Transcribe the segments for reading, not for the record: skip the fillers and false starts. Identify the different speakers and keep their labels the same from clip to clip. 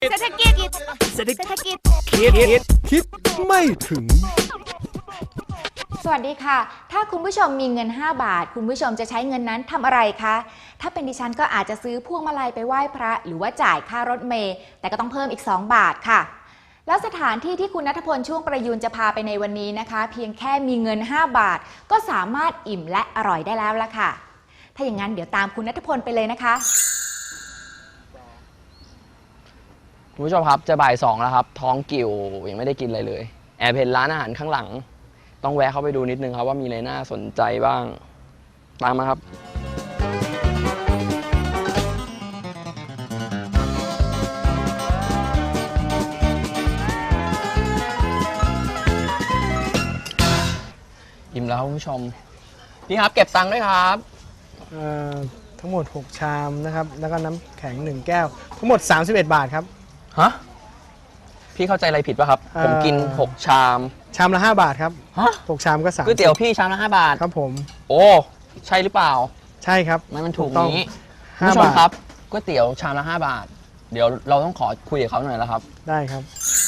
Speaker 1: เศรษฐกิจ
Speaker 2: คิดไม่ถึง
Speaker 3: สวัสดีค่ะถ้าคุณผู้ชมมีเงิน5 บาทคุณผู้ชมจะใช้เงินนั้นทำอะไรคะถ้าเป็นดิฉันก็อาจจะซื้อพวงมาลัยไปไหว้พระหรือว่าจ่ายค่ารถเมล์แต่ก็ต้องเพิ่มอีก2 บาทค่ะแล้วสถานที่ที่คุณณัฐพลช่วงประยูนจะพาไปในวันนี้นะคะเพียงแค่มีเงิน5 บาทก็สามารถอิ่มและอร่อยได้แล้วละค่ะถ้าอย่างนั้นเดี๋ยวตามคุณณัฐพลไปเลยนะคะ
Speaker 4: คุณผู้ชมครับจะบ่าย2แล้วครับท้องกิ่วยังไม่ได้กินอะไรเลยแอบเห็นร้านอาหารข้างหลังต้องแวะเข้าไปดูนิดนึงครับว่ามีอะไรน่าสนใจบ้างตามมาครับอิ่มแล้วคุณผู้ชมพี่ครับเก็บตังค์ด้วยครับ
Speaker 2: ทั้งหมด6ชามนะครับแล้วก็น้ำแข็ง1แก้วทั้งหมด31 บาทครับ
Speaker 4: ฮะพี่เข้าใจอะไรผิดป่ะครับผมกิน6ชาม
Speaker 2: ละ5 บาทครับ6ชามก็3
Speaker 4: ก๋วยเตี๋ยวพี่ชามละ5 บาท
Speaker 2: ครับผม
Speaker 4: โอ้ใช่หรือเปล่า
Speaker 2: ใช่ครับ
Speaker 4: มันถูกนี้คุณผู้ชมครับก๋วยเตี๋ยวชามละ5 บาทเดี๋ยวเราต้องขอคุยกับเขาหน่อยแล้วครับ
Speaker 2: ได้ครับ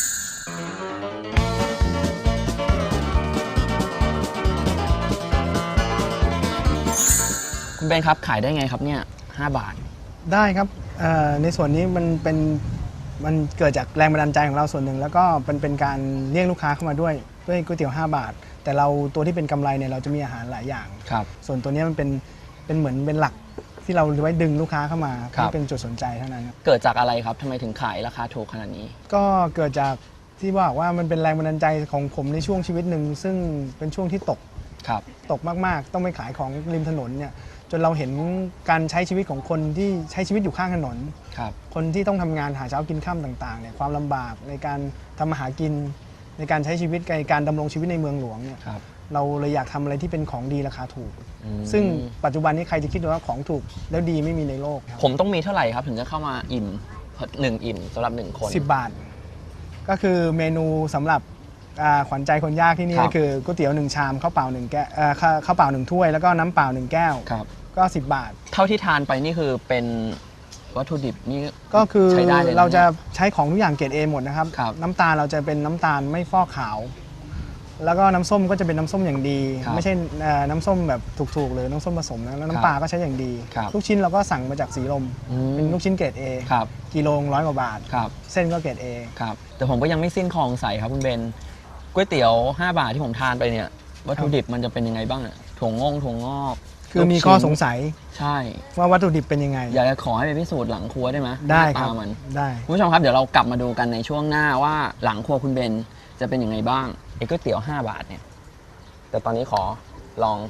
Speaker 4: คุณเบนครับขายได้ไงครับเนี่ย5 บาท
Speaker 2: ได้ครับในส่วนนี้มันเกิดจากแรงบันดาลใจของเราส่วนหนึ่งแล้วก็เป็นการเรียกลูกค้าเข้ามาด้วยก๋วยเตี๋ยว5 บาทแต่เราตัวที่เป็นกำไรเนี่ยเราจะมีอาหารหลายอย่าง
Speaker 4: ครับ
Speaker 2: ส่วนตัวนี้มันเป็นเหมือนเป็นหลักที่เราไว้ดึงลูกค้าเข้ามาให้เป็นจุดสนใจเท่านั้น
Speaker 4: เกิดจากอะไรครับทำไมถึงขายราคาถูกขนาดนี้
Speaker 2: ก็เกิดจากที่ว่ามันเป็นแรงบันดาลใจของผมในช่วงชีวิตหนึ่งซึ่งเป็นช่วงที่ตกมากๆต้องไปขายของริมถนนเนี่ยจนเราเห็นการใช้ชีวิตของคนที่ใช้ชีวิตอยู่ข้างถนนคนที่ต้องทำงานหาเช้ากินค่ำต่างๆเนี่ยความลำบากในการทำมาหากินในการใช้ชีวิตในการดำรงชีวิตในเมืองหลวงเนี่ยเราเลยอยากทำอะไรที่เป็นของดีราคาถูกซึ่งปัจจุบันนี้ใครจะคิดว่าของถูกแล้วดีไม่มีในโลก
Speaker 4: ผมต้องมีเท่าไหร่ครับถึงจะเข้ามาอิ่ม1 อิ่มสำหรับ1 คน
Speaker 2: 10 บาทก็คือเมนูสำหรับขวัญใจคนยากที่นี่ก็คือก๋วยเตี๋ยว1 ชามข้าวเปล่า1 แก้วข้าวเปล่า1 ถ้วยแล้วก็น้ำเปล่า1 แก้วก็10 บาท
Speaker 4: เท่าที่ทานไปนี่คือเป็นวัตถุดิบนี่
Speaker 2: ก็คือเราจะใช้ของทุกอย่างเกรด A หมดนะครับน้ำตาลเราจะเป็นน้ำตาลไม่ฟอกขาวแล้วก็น้ำส้มก็จะเป็นน้ำส้มอย่างดีไม่ใช่น้ำส้มแบบถูกๆเลยน้ำส้มผสมนะแล้วน้ำปลาก็ใช้อย่างดีลูกชิ้นเราก็สั่งมาจากสีลมเป็นลูกชิ้นเกรด A กิโล100 กว่าบาทเส้นก็เกรด A
Speaker 4: ครับแต่ผมก็ยังไม่สิ้นคลองใสครับคุณเบนก๋วยเตี๋ยว5 บาทที่ผมทานไปเนี่ยวัตถุดิบมันจะเป็นยังไงบ้างถั่วงอก
Speaker 2: คือมีข้อสงสัย
Speaker 4: ใช่
Speaker 2: ว่าวัตถุดิบเป็นยังไง
Speaker 4: อยากจะขอให้ไปพิสูจน์หลังครัวได้ไหม
Speaker 2: ได้ครับได้
Speaker 4: คุณผู้ชมครับเดี๋ยวเรากลับมาดูกันในช่วงหน้าว่าหลังครัวคุณเบนจะเป็นยังไงบ้างไอ้ก๋วยเตี๋ยว5 บาทเนี่ยแต่ตอนนี้ขอลอง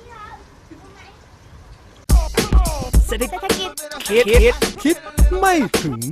Speaker 1: เศรษฐกิจ
Speaker 2: คิดไม่ถึง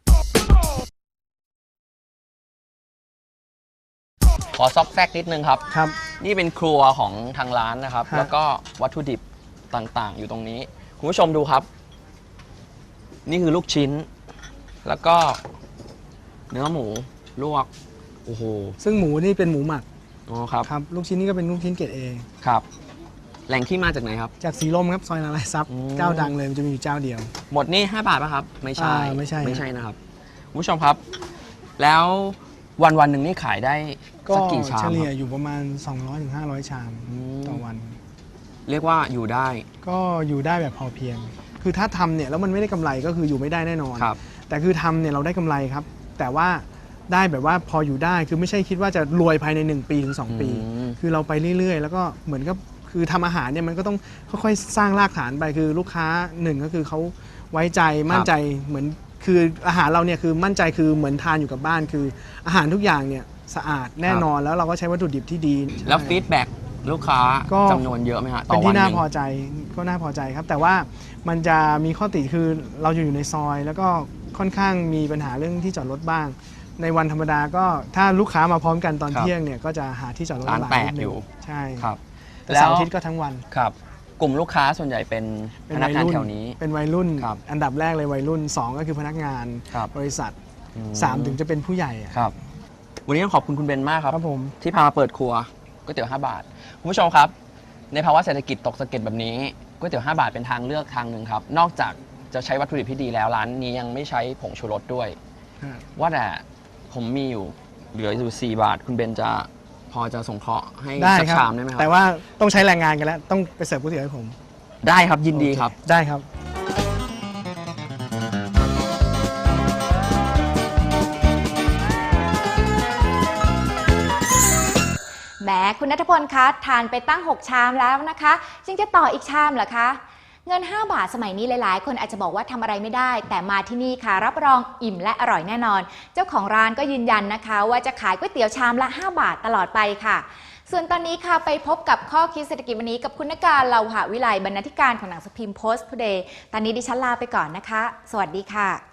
Speaker 4: ขอซอกแซกนิดนึงครับนี่เป็นครัวของทางร้านนะครับแล้วก็วัตถุดิบต่างๆอยู่ตรงนี้คุณผู้ชมดูครับนี่คือลูกชิ้นแล้วก็เนื้อหมูลวกโอ้โห
Speaker 2: ซึ่งหมูนี่เป็นหมูหมัก
Speaker 4: อ๋อครับ
Speaker 2: ลูกชิ้นนี่ก็เป็นลูกชิ้นเกรด A
Speaker 4: ครับแหล่งที่มาจากไหนครับ
Speaker 2: จากสีลมครับซอยนารายณ์ทรัพย์เจ้าดังเลยมันจะมีอยู่เจ้าเดียว
Speaker 4: หมดนี่5 บาทป่ะครับไม่ใช่
Speaker 2: ไม่ใช่
Speaker 4: นะครับคุณผู้ชมครับแล้ววันหนึ่งนี่ขายได้สักกี่ชาม
Speaker 2: เฉลี่ยอยู่ประมาณ200-500 ชามต่อวัน
Speaker 4: เรียกว่าอยู่ได้
Speaker 2: ก็อยู่ได้แบบพอเพียงคือถ้าทำเนี่ยแล้วมันไม่ได้กำไรก็คืออยู่ไม่ได้แน่นอนแต่คือทำเนี่ยเราได้กำไรครับแต่ว่าได้แบบว่าพออยู่ได้คือไม่ใช่คิดว่าจะรวยภายใน1 ปีถึง2 ปีคือเราไปเรื่อยๆแล้วก็เหมือนกับคือทำอาหารเนี่ยมันก็ต้องค่อยๆสร้างรากฐานไปคือลูกค้า1ก็คือเขาไว้ใจมั่นใจเหมือนคืออาหารเราเนี่ยคือมั่นใจคือเหมือนทานอยู่กับบ้านคืออาหารทุกอย่างเนี่ยสะอาดแน่นอนแล้วเราก็ใช้วัตถุดิบที่ดี
Speaker 4: แล้วฟีดแบ็กลูกค้าจำนวนเยอะไหมฮะ
Speaker 2: เป็นที่น่าพอใจก็น่าพอใจครับแต่ว่ามันจะมีข้อติคือเราอยู่ในซอยแล้วก็ค่อนข้างมีปัญหาเรื่องที่จอดรถบ้างในวันธรรมดาก็ถ้าลูกค้ามาพร้อมกันตอนเที่ยงเนี่ยก็จะหาที่จอดรถ
Speaker 4: ร้านแตกอยู่
Speaker 2: ใช่
Speaker 4: ครับ
Speaker 2: แต่เสาร์อาทิตย์ก็ทั้งวัน
Speaker 4: ครับกลุ่มลูกค้าส่วนใหญ่เป็นพนักงานแถวนี้
Speaker 2: เป็นวัยรุ่นอันดับแรกเลยวัยรุ่น2ก็คือพนักงานบริษัท3ถึงจะเป็นผู้ใหญ่
Speaker 4: ครับวันนี้ต้องขอบคุณคุณเบนมากครับ
Speaker 2: ผม
Speaker 4: ที่พามาเปิดครัวก๋วยเตี๋ยว5 บาทคุณผู้ชมครับในภาวะเศรษฐกิจตกสะเก็ดแบบนี้ก๋วยเตี๋ยว5 บาทเป็นทางเลือกทางหนึ่งครับนอกจากจะใช้วัตถุดิบที่ดีแล้วร้านนี้ยังไม่ใช้ผงชูรสด้วยว่าแต่ผมมีอยู่เหลืออยู่4 บาทคุณเบนจะพอจะสงเคราะห์ให้
Speaker 2: ได้
Speaker 4: สัก
Speaker 2: ครับ
Speaker 4: ชามได้ไหมครับ
Speaker 2: แต่ว่าต้องใช้แรงงานกันแล้วต้องไปเสิร์ฟก๋วยเตี๋ยวให้ผม
Speaker 4: ได้ครับยินดีครับ
Speaker 2: ได้ครับ
Speaker 3: แหมคุณณัฐพลคะทานไปตั้ง 6 ชามแล้วนะคะจึงจะต่ออีกชามเหรอคะเงิน 5 บาทสมัยนี้หลายๆ คนอาจจะบอกว่าทำอะไรไม่ได้ แต่มาที่นี่ค่ะรับรองอิ่มและอร่อยแน่นอน เจ้าของร้านก็ยืนยันนะคะ ว่าจะขายก๋วยเตี๋ยวชามละ 5 บาทตลอดไปค่ะ ส่วนตอนนี้ค่ะไปพบกับข้อคิดเศรษฐกิจวันนี้กับคุณนการเลาหะวิไลบรรณาธิการของหนังสือพิมพ์ Post Today ตอนนี้ดิฉันลาไปก่อนนะคะ สวัสดีค่ะ